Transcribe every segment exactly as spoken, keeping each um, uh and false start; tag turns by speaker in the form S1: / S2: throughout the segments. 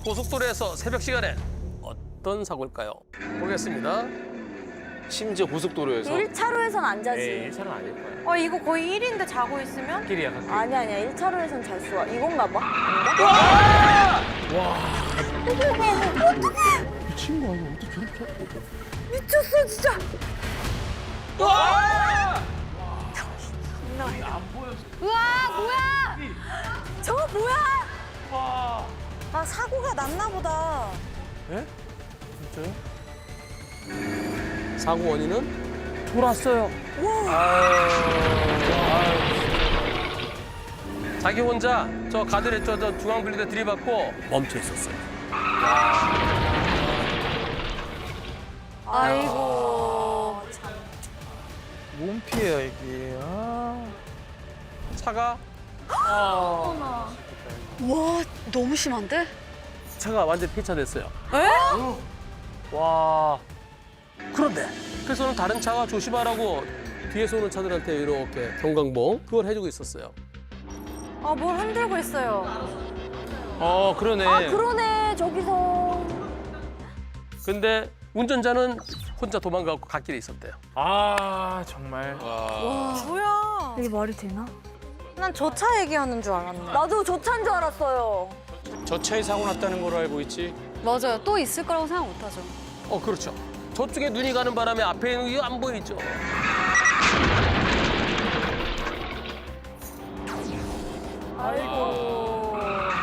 S1: 고속도로에서 새벽 시간에 어떤 사고일까요? 보겠습니다.
S2: 심지어 고속도로에서.
S3: 일 차로에선 안 자지.
S4: 일 차는 아닐 거야.
S5: 어 이거 거의 일인데 자고 있으면?
S4: 길이야, 갓길.
S3: 아니 아니야. 일 차로에선 잘 쏘아. 이건가 봐.
S1: 미친 거 아니야? 어떻게 저렇게?
S3: 미쳤어 진짜.
S5: 우와 뭐야?
S3: 저거 뭐야? 아 사고가 났나 보다.
S1: 예? 진짜요? 사고 원인은
S4: 돌았어요.
S1: 자기 혼자 저 가드레 저, 저 중앙 분리대 들이받고 멈춰 있었어요.
S3: 아이고 참.
S4: 몸 피해야 이게. 아.
S1: 차가
S3: 와 너무 심한데?
S1: 차가 완전 폐차됐어요.
S3: 에?
S4: 와.
S1: 그런데 그래서는 다른 차가 조심하라고 뒤에서 오는 차들한테 이렇게 경광봉 그걸 해주고 있었어요.
S5: 아 뭘 흔들고 있어요.
S2: 어, 그러네.
S3: 아 그러네 저기서.
S1: 근데 운전자는 혼자 도망가고 갓길에 있었대요.
S4: 아 정말.
S2: 와.
S5: 뭐야?
S3: 이게 말이 되나?
S5: 난 저 차 얘기하는 줄 알았네.
S3: 나도 저 차인 줄 알았어요.
S2: 저 차에 사고 났다는 걸로 알고 있지.
S5: 맞아요. 또 있을 거라고 생각 못 하죠.
S1: 어 그렇죠. 저쪽에 눈이 가는 바람에 앞에 있는 게 안 보이죠.
S3: 아이고.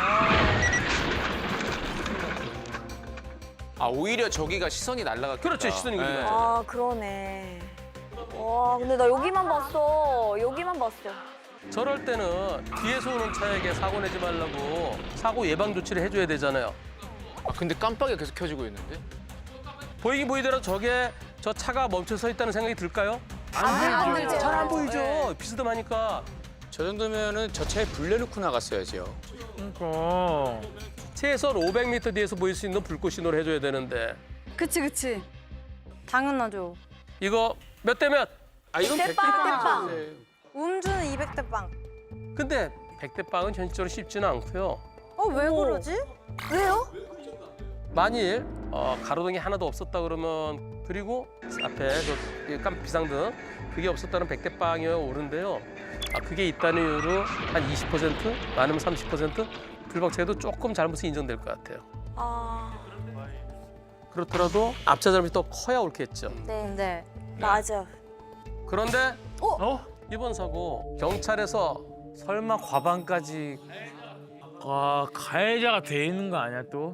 S2: 아, 오히려 저기가 시선이 날라갔겠다.
S1: 그렇죠, 시선이
S2: 네.
S1: 그리고.
S3: 아 그러네. 와 근데 나 여기만 봤어. 여기만 봤어.
S1: 저럴 때는 뒤에서 오는 차에게 사고 내지 말라고 사고 예방 조치를 해줘야 되잖아요.
S2: 아, 근데 깜빡이가 계속 켜지고 있는데?
S1: 보이긴 보이더라도 저게 저 차가 멈춰 서 있다는 생각이 들까요?
S3: 안 들죠.
S1: 잘 안 보이죠. 비스듬하니까.
S2: 저 정도면은 저 차에 불 내놓고 나갔어야죠.
S4: 그러니까.
S1: 최소한 오백 미터 뒤에서 보일 수 있는 불꽃 신호를 해줘야 되는데
S5: 그치 그치. 당연하죠.
S1: 이거 몇 대 몇?
S2: 아, 이건
S3: 백 대 빵.
S5: 음주는 이백 대 빵.
S1: 근데 백 대 빵은 현실적으로 쉽지는 않고요.
S5: 어 왜 그러지?
S3: 왜요?
S1: 만일 어, 가로등이 하나도 없었다 그러면 그리고 앞에 저 깜 비상등 그게 없었다는 백 대 빵이 오른데요. 아, 그게 있다는 이유로 한 이십 퍼센트 많으면 삼십 퍼센트 불박차에도 조금 잘못이 인정될 것 같아요.
S3: 아
S1: 그렇더라도 앞차 잘못이 더 커야 옳겠죠.
S3: 네.
S5: 네.
S3: 맞아.
S1: 그런데
S4: 어?
S1: 이번 사고 경찰에서
S4: 설마 과반까지. 와 가해자가 돼 있는 거 아니야 또?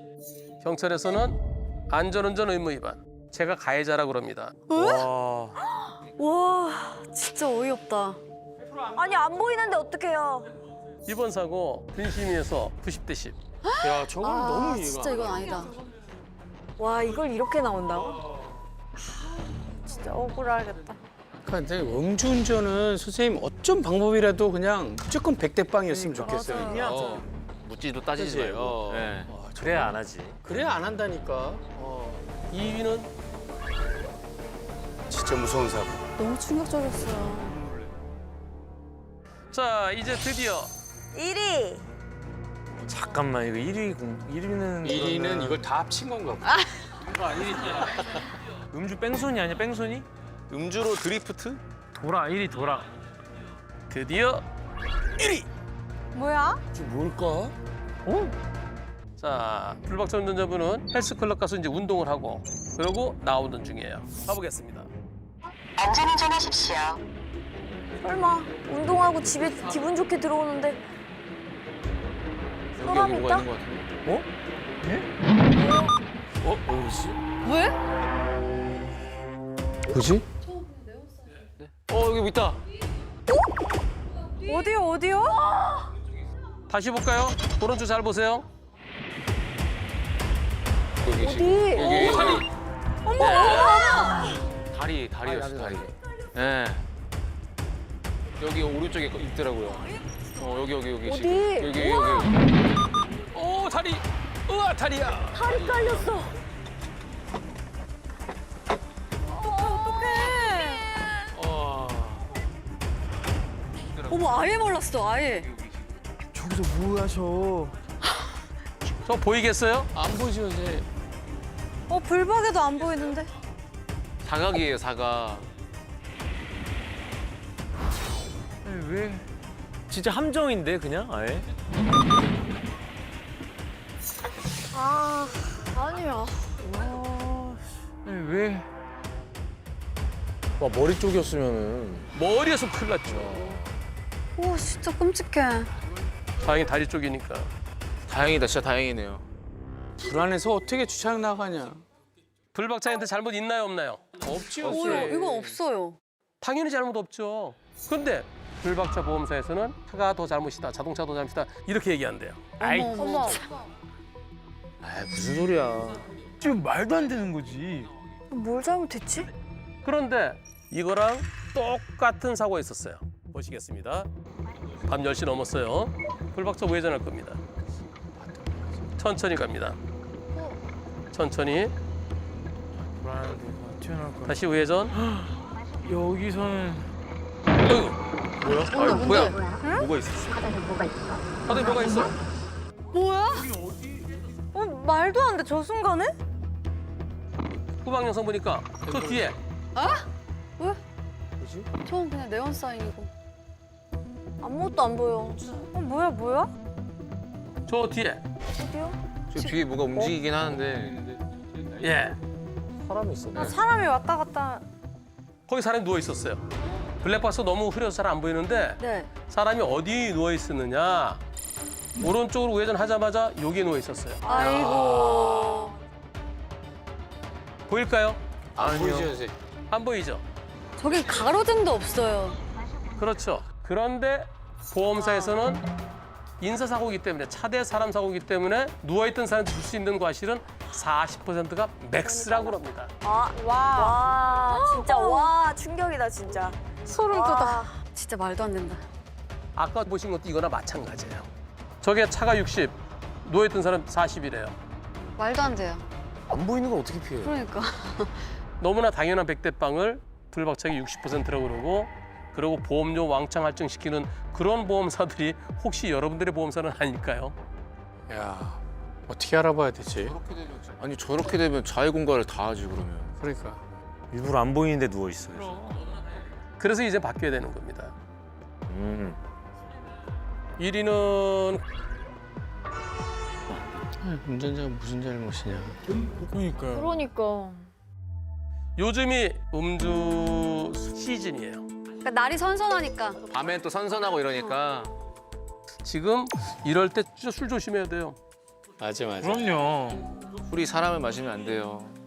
S1: 경찰에서는 안전운전 의무 위반 제가 가해자라고 그럽니다.
S4: 와.
S5: 와 진짜 어이없다.
S3: 아니 안 보이는데 어떡해요?
S1: 이번 사고 근심위에서 구십 대 십.
S2: 야, 저건 너무 이해가.
S5: 진짜 이건 아니다.
S3: 와 이걸 이렇게 나온다고?
S5: 진짜 억울하겠다.
S2: 근데 음주운전은 선생님 어쩐 방법이라도 그냥 무조건 백 대 빵이었으면 좋겠어요.
S5: 맞아요.
S2: 어.
S4: 묻지도 따지지
S2: 그치?
S4: 말고.
S2: 어.
S4: 네.
S2: 와,
S4: 그래야 안 하지.
S2: 그래야 안 한다니까. 어.
S1: 이 위는
S2: 진짜 무서운 사고.
S5: 너무 충격적이었어요.
S1: 자 이제 드디어
S3: 일 위.
S4: 잠깐만 이거 일 위 공 일 위는
S2: 일 위는 이걸 다 합친 건가 보다.
S4: 음주 뺑소니 아니야 뺑소니?
S2: 음주로 드리프트?
S4: 돌아 일 위 돌아.
S1: 드디어
S5: 뭐야?
S2: 지금 뭘까?
S4: 어?
S1: 자 불박차 운전자분은 헬스클럽 가서 이제 운동을 하고 그러고 나오는 중이에요. 가보겠습니다.
S6: 안전운전하십시오.
S3: 설마 운동하고 집에 기분 좋게 들어오는데
S2: 여기
S3: 사람
S2: 여기
S3: 있다?
S2: 뭐가 있는 것 같은데? 어? 어? 뭐지?
S5: 왜?
S2: 뭐지? 어, 여기 뭐 있다.
S5: 어디요 어디요?
S1: 다시 볼까요? 오른쪽 잘 보세요.
S2: 여기
S3: 어디?
S2: 지금. 여기.
S3: 어?
S2: 다리.
S3: 어머 어머.
S2: 다리, 다리였어, 다리. 예. 여기 오른쪽에 있더라고요. 어, 여기, 여기, 여기.
S3: 어디?
S2: 지금. 여기,
S3: 우와.
S2: 여기. 오, 다리. 우와, 다리야.
S3: 다리 깔렸어.
S2: 어.
S5: 어머 아예 몰랐어 아예.
S4: 저기서 뭐 하셔?
S1: 저 보이겠어요?
S2: 안 보이죠, 이제.
S5: 어 불박에도 안 보이는데.
S2: 사각이에요, 사각.
S4: 아니, 왜? 진짜 함정인데 그냥 아예?
S5: 아 아니야.
S4: 아니, 왜?
S7: 와 머리 쪽이었으면은
S1: 머리에서 큰일 났죠.
S5: 오 진짜 끔찍해.
S1: 다행히 다리 쪽이니까.
S2: 다행이다, 진짜 다행이네요.
S7: 불안해서 어떻게 주차장 나가냐.
S1: 불박차한테 잘못 있나요, 없나요?
S2: 없지요,
S5: 오 이건 없어요.
S1: 당연히 잘못 없죠. 그런데 불박차 보험사에서는 차가 더 잘못이다, 자동차 더 잘못이다 이렇게 얘기한대요.
S4: 아이,
S5: 어머 어머.
S7: 아 무슨 소리야.
S4: 지금 말도 안 되는 거지.
S3: 뭘 잘못했지?
S1: 그런데 이거랑 똑같은 사고가 있었어요. 보시겠습니다. 밤 열 시 넘었어요. 불박차 우회전할 겁니다. 천천히 갑니다. 천천히
S4: 불안해도 튀어나올 거야.
S1: 다시 우회전.
S4: 여기서는
S1: 어이구,
S6: 뭐야?
S1: 뭐야?
S7: 뭐가 있었어?
S1: 바닥에 뭐가 있어?
S5: 뭐야? 어 말도 안 돼 저 순간에?
S1: 후방 영상 보니까 저 뒤에
S5: 저건 그냥 네온 사인이고.
S3: 아무것도 안 보여.
S5: 어 뭐야 뭐야?
S1: 저 뒤에
S3: 어디요?
S2: 저 뒤에 뭐가 움직이긴 하는데.
S1: 예
S7: 사람이 있었네.
S5: 나 사람이 왔다 갔다.
S1: 거기 사람이 누워 있었어요. 블랙박스 너무 흐려서 잘 안 보이는데
S3: 네.
S1: 사람이 어디 누워 있었느냐? 오른쪽으로 우회전하자마자 여기 누워 있었어요.
S3: 아이고.
S1: 보일까요?
S2: 안 보이죠, 이제.
S1: 안 보이죠?
S5: 저기 가로등도 없어요.
S1: 그렇죠. 그런데 보험사에서는 인사사고이기 때문에 차대 사람 사고이기 때문에 누워있던 사람한테 줄 수 있는 과실은 사십 퍼센트가 맥스라고 그럽니다.
S3: 아, 와. 와, 진짜 와, 충격이다, 진짜.
S5: 소름
S3: 와.
S5: 돋아. 진짜 말도 안 된다.
S1: 아까 보신 것도 이거나 마찬가지예요. 저게 차가 육십, 누워있던 사람 사십이래요.
S5: 말도 안 돼요.
S7: 안 보이는 걸 어떻게 피해?
S5: 그러니까.
S1: 너무나 당연한 백대빵을 불박차기 육십 퍼센트라고 그러고 그리고 보험료 왕창 할증시키는 그런 보험사들이 혹시 여러분들의 보험사는 아닐까요?
S7: 야 어떻게 알아봐야 되지?
S2: 아니, 저렇게 되면 자해 공갈을 다 하지, 그러면.
S7: 그러니까.
S8: 일부러 안 보이는데 누워 있어요.
S1: 그래서 이제 바뀌어야 되는 겁니다.
S8: 음.
S1: 일 위는
S7: 운전자가 무슨 잘못이냐.
S4: 그러니까요.
S5: 그러니까.
S1: 요즘이 음주 시즌이에요.
S5: 그러니까 날이 선선하니까.
S2: 밤엔 또 선선하고 이러니까.
S1: 지금 이럴 때 진짜 술 조심해야 돼요.
S7: 맞아 맞아.
S4: 그럼요.
S2: 술이 사람을 마시면 안 돼요.